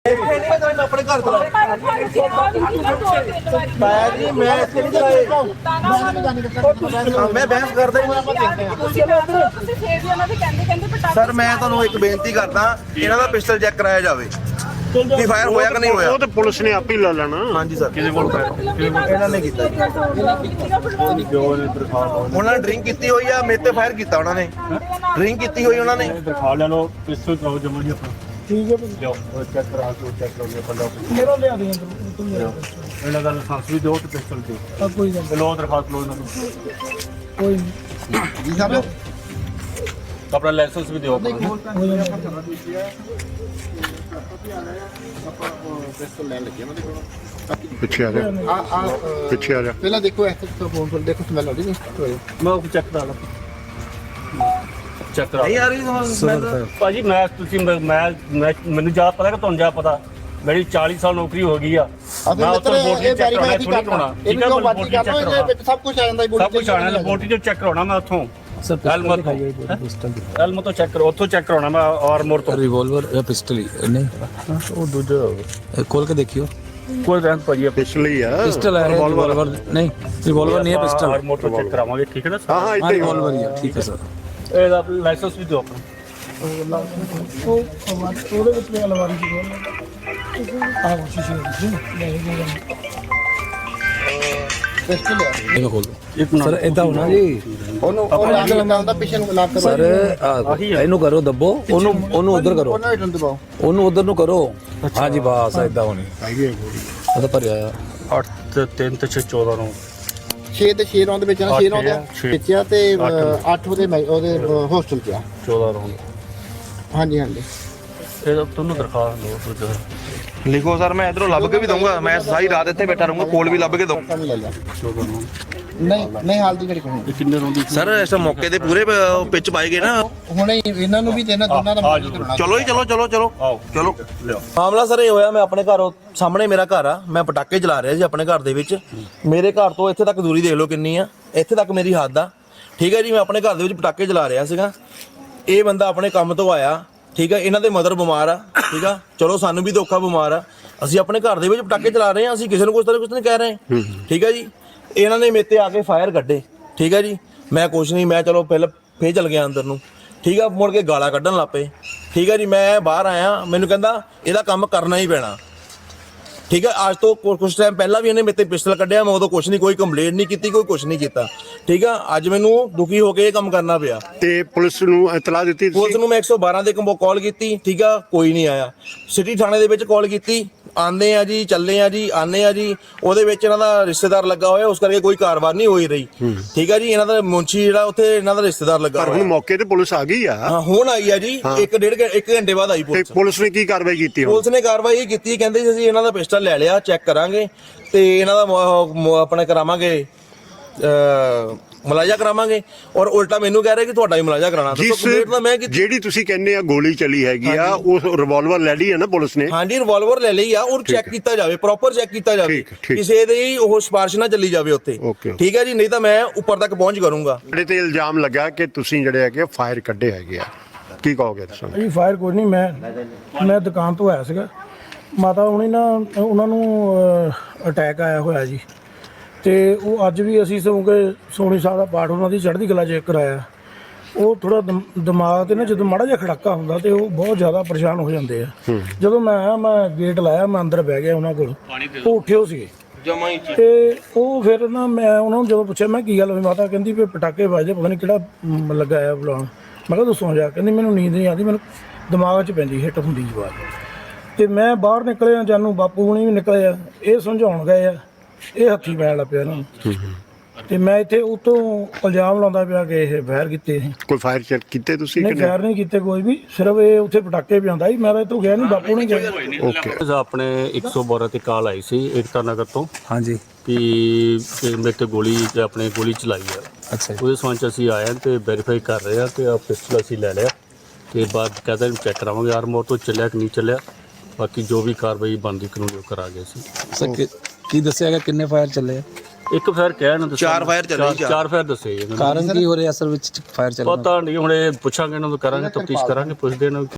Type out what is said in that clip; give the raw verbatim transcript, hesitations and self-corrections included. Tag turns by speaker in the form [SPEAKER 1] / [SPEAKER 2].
[SPEAKER 1] ਆਪਣੇ ਘਰ ਚਲਾ ਪਾਇਆ ਜੀ ਮੈਂ ਇੱਥੇ ਨਹੀਂ ਚਲਾਏ ਮੈਂ ਬਹਿਸ ਕਰਦਾ ਹੀ ਸਰ। ਮੈਂ ਤੁਹਾਨੂੰ ਇੱਕ ਬੇਨਤੀ ਕਰਦਾ, ਇਹਨਾਂ ਦਾ ਪਿਸਟਲ ਚੈੱਕ ਕਰਾਇਆ ਜਾਵੇ ਕਿ ਫਾਇਰ ਹੋਇਆ ਕਿ ਨਹੀਂ ਹੋਇਆ।
[SPEAKER 2] ਉਹ ਤੇ ਪੁਲਿਸ ਨੇ ਆਪ ਹੀ ਲਾ ਲੈਣਾ।
[SPEAKER 1] ਹਾਂਜੀ ਸਰ,
[SPEAKER 2] ਕਿਸੇ ਕੋਲ
[SPEAKER 1] ਇਹਨਾਂ ਨੇ ਕੀਤਾ, ਉਹਨਾਂ ਨੇ ਡਰਿੰਕ ਕੀਤੀ ਹੋਈ ਆ, ਮੇਰੇ ਤੇ ਫਾਇਰ ਕੀਤਾ ਉਹਨਾਂ ਨੇ, ਡਰਿੰਕ ਕੀਤੀ ਹੋਈ ਉਹਨਾਂ ਨੇ।
[SPEAKER 2] ਦਿਖਾ ਲੈ ਲੋ ਪਿਸਟਲ ਕਰਾਓ ਜਮਾ ਜੀ ਆਪਣਾ। ਠੀਕ ਹੈ ਲਿਓ ਚੈੱਕ ਕਰਾ ਕੇ ਚੈੱਕ ਕਰੋ ਇਹ ਬੰਦਾ ਮੇਰਾ ਲਿਆ ਦੇ ਤੂੰ ਮੇਰਾ ਇਹਨਾਂ ਦਾ ਲਾਇਸੈਂਸ ਵੀ ਦਿਓ ਤੇ ਪਿਸਟਲ ਦਿਓ। ਕੋਈ ਗੱਲ ਲੋ ਦਰਖਾਸਤ ਲੋ ਇਹਨਾਂ ਨੂੰ ਕੋਈ ਜੀ ਸਾਹਿਬ ਆਪਣਾ ਲਾਇਸੈਂਸ ਵੀ ਦਿਓ ਆਪਣਾ। ਪਿਸਟਲ ਲੈਣ ਲੱਗੇ ਉਹਨਾਂ ਦੇ ਕੋਲ। ਪਿੱਛੇ ਆ ਜਾ ਆ ਆ ਪਿੱਛੇ ਆ ਜਾ
[SPEAKER 3] ਪਹਿਲਾਂ ਦੇਖੋ ਇਸ ਤੋਂ ਫੋਨ ਪਰ ਦੇਖੋ ਸਮੈਲ ਆਉਂਦੀ ਨਹੀਂ।
[SPEAKER 2] ਮੈਂ ਉਹ ਚੈੱਕ ਕਰਾ ਲਾ ਚੈੱਕ ਕਰਾ
[SPEAKER 1] ਨਹੀਂ ਆ ਰਹੀ ਸਮਝ
[SPEAKER 2] ਭਾਜੀ। ਮੈਂ ਤੁਸੀਂ ਮੈਂ ਮੈਨੂੰ ਜ਼ਿਆਦਾ ਪਤਾ ਕਿ ਤੁਹਾਨੂੰ ਜ਼ਿਆਦਾ ਪਤਾ। ਮੇਰੀ ਚਾਲੀ ਸਾਲ ਨੌਕਰੀ ਹੋ ਗਈ ਆ। ਮੈਂ ਉੱਥੇ ਰਿਪੋਰਟ ਚੈੱਕ ਕਰਾਉਣਾ ਥੋੜੀ ਕਰਾਉਣਾ। ਠੀਕ ਹੈ ਰਿਪੋਰਟ ਚੈੱਕ ਕਰਾਉਣਾ
[SPEAKER 3] ਸਭ ਕੁਝ ਆ ਜਾਂਦਾ।
[SPEAKER 2] ਸਭ ਕੁਝ ਆਣਾ ਰਿਪੋਰਟ ਜੋ ਚੈੱਕ ਕਰਾਉਣਾ ਮੈਂ ਉੱਥੋਂ ਐਲਮਤ ਐਲਮਤ ਤੋਂ ਚੈੱਕ ਕਰੋ, ਉੱਥੋਂ ਚੈੱਕ ਕਰਾਉਣਾ ਮੈਂ ਆਰਮੋਰ ਤੋਂ।
[SPEAKER 4] रिवॉल्वर या पिस्टल ही नहीं
[SPEAKER 2] ਉਹ ਦੂਜਾ
[SPEAKER 4] खोल के देखियो।
[SPEAKER 2] ਕੋਈ ਰੈਂਕ ਭਾਜੀ ਪਿਸਟਲ ਹੀ ਆ।
[SPEAKER 4] पिस्टल है रिवॉल्वर नहीं, रिवॉल्वर नहीं है पिस्टल।
[SPEAKER 2] ਆਰਮੋਰ ਤੋਂ ਚੈੱਕ ਕਰਾਵਾਂਗੇ। ਠੀਕ ਹੈ ਨਾ
[SPEAKER 4] हाँ हाँ रिवॉल्वर ही है। ठीक है सर।
[SPEAKER 2] ਇਹਦਾ ਲਾਇਸੈਂਸ ਵੀ ਦਿਓ ਆਪਣਾ।
[SPEAKER 3] ਉਹ ਉਹਦੇ ਵਿੱਚ ਵੀ ਅਲਵਾਰੀ ਜੀ ਆ ਸ਼ੀਸ਼ੇ ਦੇ ਪਿਸਟਲ ਲਿਆ
[SPEAKER 4] ये खोल दो
[SPEAKER 2] ਇੱਕ ਮਿੰਟ
[SPEAKER 4] सर। इतना होना जी
[SPEAKER 3] ਉਹਨੂੰ ਉਹ ਲਾਗ ਲਗਾਉਂਦਾ ਪਿੱਛੇ ਨੂੰ ਲਾਗ ਕਰੋ
[SPEAKER 4] सर। ਇਹਨੂੰ ਕਰੋ ਦੱਬੋ, ਉਹਨੂੰ ਉਹਨੂੰ ਉਧਰ ਕਰੋ,
[SPEAKER 3] ਉਹਨਾਂ ਨੂੰ ਦਬਾਓ।
[SPEAKER 4] ਉਹਨੂੰ ਉਧਰ ਨੂੰ ਕਰੋ। हाँ जी बस इतना होनी ਉਹ ਤਾਂ ਭਰਿਆ ਆ।
[SPEAKER 2] ਅੱਠ ਤੇ ਤਿੰਨ ਤੇ ਛੇ ਚੌਦਾਂ ਨੂੰ
[SPEAKER 3] ਛੇ ਤੇ ਛੇ ਰੌਂਦ ਵਿੱਚ ਨਾ ਛੇ ਰੌਂਦ
[SPEAKER 2] ਛੇ।
[SPEAKER 3] ਵਿੱਚ ਆ ਤੇ ਅੱਠ ਉਹਦੇ ਮੈਂ- ਉਹਦੇ ਹੋਸਟਲ 'ਚ ਆ।
[SPEAKER 2] ਚੌਦਾਂ ਨੂੰ
[SPEAKER 3] ਹਾਂਜੀ ਹਾਂਜੀ
[SPEAKER 2] ਇਹਦਾ ਤੁਹਾਨੂੰ ਦਰਖਾਸਤ ਲਓ ਦੂਜਾ
[SPEAKER 1] ਲਿਖੋ ਸਰ, ਮੈਂ ਇਧਰੋਂ ਲੱਭ ਕੇ ਵੀ ਦਊਂਗਾ। ਮੈਂ ਸਾਰੀ ਰਾਤ ਇੱਥੇ ਬੈਠਾ ਰਹੂੰਗਾ, ਕੋਲ ਵੀ ਲੱਭ ਕੇ ਦਊਂ
[SPEAKER 3] ਕੰਮ ਲੈ ਲਿਆ।
[SPEAKER 2] ਚੌਦਾਂ ਨੂੰ
[SPEAKER 3] ਨਹੀਂ ਨਹੀਂ ਹਾਲ ਦੀ ਘੜੀ ਕੋਈ
[SPEAKER 2] ਇਹ ਕਿੰਨੇ ਰੋਂਦੀ
[SPEAKER 1] ਸਰ। ਇਸ ਮੌਕੇ ਤੇ ਪੂਰੇ ਪਿੱਚ ਪਾਏ ਗਏ ਨਾ।
[SPEAKER 3] ਹੁਣੇ ਹੀ ਇਹਨਾਂ ਨੂੰ ਵੀ ਤੇ ਇਹਨਾਂ ਦੋਨਾਂ ਦਾ ਮਾਮਲਾ ਕਰਾਉਣਾ।
[SPEAKER 1] ਚਲੋ ਜੀ, ਚਲੋ ਚਲੋ ਚਲੋ
[SPEAKER 2] ਆਓ
[SPEAKER 1] ਚਲੋ।
[SPEAKER 2] ਲਿਓ।
[SPEAKER 1] ਮਾਮਲਾ ਸਰ ਇਹ ਹੋਇਆ, ਮੈਂ ਆਪਣੇ ਘਰੋਂ ਸਾਹਮਣੇ ਮੇਰਾ ਘਰ ਆ, ਮੈਂ ਪਟਾਕੇ ਚਲਾ ਰਿਹਾ ਸੀ ਆਪਣੇ ਘਰ ਦੇ ਵਿੱਚ। ਮੇਰੇ ਘਰ ਤੋਂ ਇੱਥੇ ਤੱਕ ਦੂਰੀ ਦੇਖ ਲਓ ਕਿੰਨੀ ਆ, ਇੱਥੇ ਤੱਕ ਮੇਰੀ ਹੱਦ ਆ। ਠੀਕ ਹੈ ਜੀ, ਮੈਂ ਆਪਣੇ ਘਰ ਦੇ ਵਿੱਚ ਪਟਾਕੇ ਚਲਾ ਰਿਹਾ ਸੀਗਾ। ਇਹ ਬੰਦਾ ਆਪਣੇ ਕੰਮ ਤੋਂ ਆਇਆ। ਠੀਕ ਹੈ, ਇਹਨਾਂ ਦੇ ਮਦਰ ਬਿਮਾਰ ਆ। ਠੀਕ ਆ, ਚਲੋ ਸਾਨੂੰ ਵੀ ਧੋਖਾ ਬਿਮਾਰ ਆ। ਅਸੀਂ ਆਪਣੇ ਘਰ ਦੇ ਵਿੱਚ ਪਟਾਕੇ ਚਲਾ ਰਹੇ ਹਾਂ, ਅਸੀਂ ਕਿਸੇ ਨੂੰ ਕੁਛ ਤਰ੍ਹਾਂ ਕੁਛ ਨਹੀਂ ਕਹਿ ਰਹੇ। ਠੀਕ ਹੈ ਜੀ, ਇਹਨਾਂ ਨੇ ਮੇਰੇ ਤੇ ਆ ਕੇ ਫਾਇਰ ਕੱਢੇ। ਠੀਕ ਹੈ ਜੀ, ਮੈਂ ਕੁਛ ਨਹੀਂ, ਮੈਂ ਚਲੋ ਪਹਿਲਾਂ ਫੇਰ ਚਲ ਗਿਆ ਅੰਦਰ ਨੂੰ। ਠੀਕ ਆ, ਮੁੜ ਕੇ ਗਾਲਾਂ ਕੱਢਣ ਲੱਗ ਪਏ। ਠੀਕ ਹੈ ਜੀ, ਮੈਂ ਬਾਹਰ ਆਇਆ, ਮੈਨੂੰ ਕਹਿੰਦਾ ਇਹਦਾ ਕੰਮ ਕਰਨਾ ਹੀ ਪੈਣਾ। ਠੀਕ ਹੈ, ਅੱਜ ਤੋਂ ਕੁਝ ਟਾਈਮ ਪਹਿਲਾਂ ਵੀ ਇਹਨੇ ਮੇਰੇ ਤੇ ਪਿਸਟਲ ਕੱਢਿਆ, ਮੈਂ ਉਦੋਂ ਕੁਛ ਨਹੀਂ, ਕੋਈ ਕੰਪਲੇਂਟ ਨਹੀਂ ਕੀਤੀ, ਕੋਈ ਕੁਛ ਨਹੀਂ ਕੀਤਾ। ਠੀਕ ਆ, ਅੱਜ ਮੈਨੂੰ ਦੁਖੀ ਹੋ ਕੇ ਇਹ ਕੰਮ ਕਰਨਾ ਪਿਆ।
[SPEAKER 2] ਤੇ ਪੁਲਿਸ ਨੂੰ ਇਤਲਾਹ ਦਿੱਤੀ
[SPEAKER 1] ਪੁਲਿਸ ਨੂੰ ਮੈਂ ਇੱਕ ਸੌ ਬਾਰਾਂ ਦੇ ਕੰਬੋ ਕਾਲ ਕੀਤੀ। ਠੀਕ ਆ, ਕੋਈ ਨਹੀਂ ਆਇਆ। ਸਿਟੀ ਥਾਣੇ ਦੇ ਵਿੱਚ ਕਾਲ ਕੀਤੀ, ਆਂਦੇ ਆ ਜੀ, ਚੱਲੇ ਆ ਜੀ, ਆਨੇ ਆ ਜੀ। ਉਹਦੇ ਵਿੱਚ ਇਹਨਾਂ ਦਾ ਰਿਸ਼ਤੇਦਾਰ ਲੱਗਾ ਹੋਇਆ, ਉਸ ਕਰਕੇ ਕੋਈ ਕਾਰਵਾਈ ਨਹੀਂ ਹੋਈ ਰਹੀ। ਠੀਕ ਆ ਜੀ, ਇਹਨਾਂ ਦਾ ਮੁੰਸ਼ੀ ਜਿਹੜਾ ਉੱਥੇ ਇਹਨਾਂ ਦਾ ਰਿਸ਼ਤੇਦਾਰ ਲੱਗਾ
[SPEAKER 2] ਪਰ ਹੁਣ ਮੌਕੇ ਤੇ ਪੁਲਿਸ ਆ ਗਈ ਆ।
[SPEAKER 1] ਹਾਂ, ਹੁਣ ਆਈ ਆ ਜੀ। ਇੱਕ ਡੇਢ ਘੰ- ਇੱਕ ਘੰਟੇ ਬਾਅਦ ਆਈ
[SPEAKER 2] ਤੇ
[SPEAKER 1] ਪੁਲਿਸ।
[SPEAKER 2] ਪੁਲਿਸ ਨੇ ਕੀ ਕਾਰਵਾਈ ਕੀਤੀ ਹੁਣ?
[SPEAKER 1] ਪੁਲਿਸ ਨੇ ਕਾਰਵਾਈ ਇਹ ਕੀਤੀ, ਕਹਿੰਦੇ ਸੀ ਅਸੀਂ ਇਹਨਾਂ ਦਾ ਪਿਸਟਲ ਲੈ ਲਿਆ, ਚੈੱਕ ਕਰਾਂਗੇ ਤੇ ਇਹਨਾਂ ਦਾ ਮ- ਮ- ਆਪਣਾ ਕਰਾਵਾਂਗੇ, ਅ ਮੁਲਾਜ਼ਾ ਕਰਾਵਾਂਗੇ। ਔਰ ਉਲਟਾ ਮੈਨੂੰ ਕਹਿ ਰਹੇ ਕਿ ਤੁਹਾਡਾ ਹੀ ਮੁਲਾਜ਼ਾ ਕਰਾਣਾ। ਦੱਸੋ ਕੰਪਲੀਟ ਤਾਂ ਮੈਂ ਕੀਤੀ।
[SPEAKER 2] ਜਿਹੜੀ ਤੁਸੀਂ ਕਹਿੰਦੇ ਆ ਗੋਲੀ ਚੱਲੀ ਹੈਗੀ ਆ, ਉਸ ਰਿਵਾਲਵਰ ਲੈ ਲਈ ਹੈ ਨਾ ਪੁਲਿਸ ਨੇ?
[SPEAKER 1] ਹਾਂਜੀ, ਰਿਵਾਲਵਰ ਲੈ ਲਈ ਆ, ਔਰ ਚੈੱਕ ਕੀਤਾ ਜਾਵੇ, ਪ੍ਰੋਪਰ ਚੈੱਕ ਕੀਤਾ ਜਾਵੇ,
[SPEAKER 2] ਠੀਕ, ਠੀਕ।
[SPEAKER 1] ਕਿਸੇ ਦੇ ਉਹ ਸਿਫਾਰਿਸ਼ ਨਾ ਚੱਲੀ ਜਾਵੇ ਉੱਥੇ।
[SPEAKER 2] ਓਕੇ।
[SPEAKER 1] ਠੀਕ ਹੈ ਜੀ, ਨਹੀਂ ਤਾਂ ਮੈਂ ਉੱਪਰ ਤੱਕ ਪਹੁੰਚ ਕਰੂੰਗਾ।
[SPEAKER 2] ਜਿਹੜੇ ਤੇ ਇਲਜ਼ਾਮ ਲੱਗਾ ਕਿ ਤੁਸੀਂ ਜਿਹੜੇ ਹੈਗੇ ਫਾਇਰ ਕੱਢੇ ਹੈਗੇ ਆ, ਕੀ ਕਹੋਗੇ ਤੁਸੀਂ?
[SPEAKER 5] ਜੀ ਫਾਇਰ ਕੋਈ ਨਹੀਂ, ਮੈਂ ਮੈਂ ਦੁਕਾਨ ਤੋਂ ਆਇਆ ਸੀਗਾ। ਮਾਤਾ ਹੁਣੀ ਨਾ ਉਹਨਾਂ ਨੂੰ ਅਟੈਕ ਆਇਆ ਹੋਇਆ ਜੀ, ਤੇ ਉਹ ਅੱਜ ਵੀ ਅਸੀਂ ਸਗੋਂ ਕਿ ਸੋਹਣੀ ਸਾਹਿਬ ਦਾ ਪਾਠ ਉਹਨਾਂ ਦੀ ਚੜ੍ਹਦੀ ਕਲਾ ਚੈੱਕ ਕਰਾਇਆ। ਉਹ ਥੋੜਾ ਦਿਮਾਗ ਤੇ ਨਾ ਜਦੋਂ ਮਾੜਾ ਜਿਹਾ ਖੜਾਕਾ ਹੁੰਦਾ ਤੇ ਉਹ ਬਹੁਤ ਜ਼ਿਆਦਾ ਪਰੇਸ਼ਾਨ ਹੋ ਜਾਂਦੇ ਆ। ਜਦੋਂ ਮੈਂ ਆਇਆ, ਮੈਂ ਗੇਟ ਲਾਇਆ, ਮੈਂ ਅੰਦਰ ਬਹਿ ਗਿਆ ਉਹਨਾਂ ਕੋਲ। ਉਹ ਉੱਠੇ ਹੋ ਸੀਗੇ
[SPEAKER 1] ਜਮਾ ਹੀ
[SPEAKER 5] ਤੇ ਉਹ ਫਿਰ ਨਾ ਮੈਂ ਉਹਨਾਂ ਨੂੰ ਜਦੋਂ ਪੁੱਛਿਆ ਮੈਂ ਕੀ ਗੱਲ ਹੋਈ, ਮਾਤਾ ਕਹਿੰਦੀ ਵੀ ਪਟਾਕੇ ਵੱਜਦੇ, ਪਤਾ ਨਹੀਂ ਕਿਹੜਾ ਮ, ਲੱਗਾ ਆ ਬੁਲਾਉਣ। ਮੈਂ ਕਿਹਾ ਦੱਸੋ ਜਾ। ਕਹਿੰਦੀ ਮੈਨੂੰ ਨੀਂਦ ਨਹੀਂ ਆਉਂਦੀ, ਮੈਨੂੰ ਦਿਮਾਗ 'ਚ ਪੈਂਦੀ ਹਿੱਟ ਹੁੰਦੀ ਜਵਾਬ। ਤੇ ਮੈਂ ਬਾਹਰ ਨਿਕਲਿਆ, ਜਾਨੂੰ ਬਾਪੂ ਹੁਣੀ ਵੀ ਨਿਕਲੇ ਆ, ਇਹ ਸਮਝਾਉਣ ਗਏ ਆ, ਇਹ ਹੱਥੀ ਪੈਣ ਲੱਗ ਪਿਆ ਇਹਨਾਂ ਨੂੰ। ਤੇ ਮੈਂ ਇੱਥੇ ਉਤੋਂ ਇਲਜ਼ਾਮ ਲਾਉਂਦਾ ਪਿਆ ਕਿ ਇਹ ਫਾਇਰ ਕੀਤੇ ਸੀ।
[SPEAKER 2] ਕੋਈ ਫਾਇਰ ਚੈੱਕ ਕੀਤੇ ਤੁਸੀਂ?
[SPEAKER 5] ਨਹੀਂ, ਫਾਇਰ ਨਹੀਂ ਕੀਤੇ ਕੋਈ ਵੀ, ਸਿਰਫ ਇਹ ਉੱਥੇ ਪਟਾਕੇ ਪਿਆਉਂਦਾ ਸੀ। ਮੈਂ ਤਾਂ ਇੱਥੋਂ ਗਿਆ ਨਹੀਂ, ਬਾਪੂ ਨੇ ਗਿਆ।
[SPEAKER 2] ਓਕੇ।
[SPEAKER 6] ਆਪਣੇ ਇੱਕ ਸੌ ਬਾਰਾਂ ਤੇ ਕਾਲ ਆਈ ਸੀ ਏਕਤਾ ਨਗਰ ਤੋਂ
[SPEAKER 4] हाँ जी
[SPEAKER 6] ਕਿ ਕਿ ਮੇਰੇ ਤੇ ਗੋਲੀ ਤੇ ਆਪਣੇ ਗੋਲੀ ਚਲਾਈ ਆ।
[SPEAKER 4] अच्छा जी।
[SPEAKER 6] ਉਹਦੇ ਸੰਬੰਧ 'ਚ ਅਸੀਂ ਆਏ ਹਾਂ ਤੇ ਵੈਰੀਫਾਈ ਕਰ ਰਹੇ ਆ ਤੇ ਆ ਪਿਸਟਲ ਅਸੀਂ ਲੈ ਲਿਆ ਤੇ ਬਾਅਦ ਕਹਿੰਦਾ ਇਹਨੂੰ ਚੈੱਕ ਕਰਾਵਾਂਗੇ ਆਰਮੋਰ ਤੋਂ ਚੱਲਿਆ ਕਿ ਨਹੀਂ ਚੱਲਿਆ। ਬਾਕੀ ਜੋ ਵੀ ਕਾਰਵਾਈ ਬਣਦੀ ਕਾਨੂੰਨੀ ਉਹ ਕਰਾਂਗੇ ਅਸੀਂ।
[SPEAKER 4] सर कि- की दसेगा किन्ने फायर चले हैं?
[SPEAKER 6] ਇੱਕ ਫਾਇਰ ਕਹਿ ਨਾ ਦੱਸਿਆ
[SPEAKER 1] ਚਾਰ fire ਚੱਲੇ, ਚਾਰ।
[SPEAKER 6] ਚਾਰ ਫਾਇਰ ਦੱਸੇ ਇਹਨਾਂ ਨੇ।
[SPEAKER 4] कारण की हो रहे असल में फायर चल रहा है?
[SPEAKER 6] ਪਤਾ ਨਹੀਂ ਹੁਣ ਇਹ ਪੁੱਛਾਂਗੇ ਇਹਨਾਂ ਨੂੰ, ਕਰਾਂਗੇ ਤਫਤੀਸ਼ ਕਰਾਂਗੇ, ਪੁੱਛਦੇ ਇਹਨਾਂ ਨੂੰ।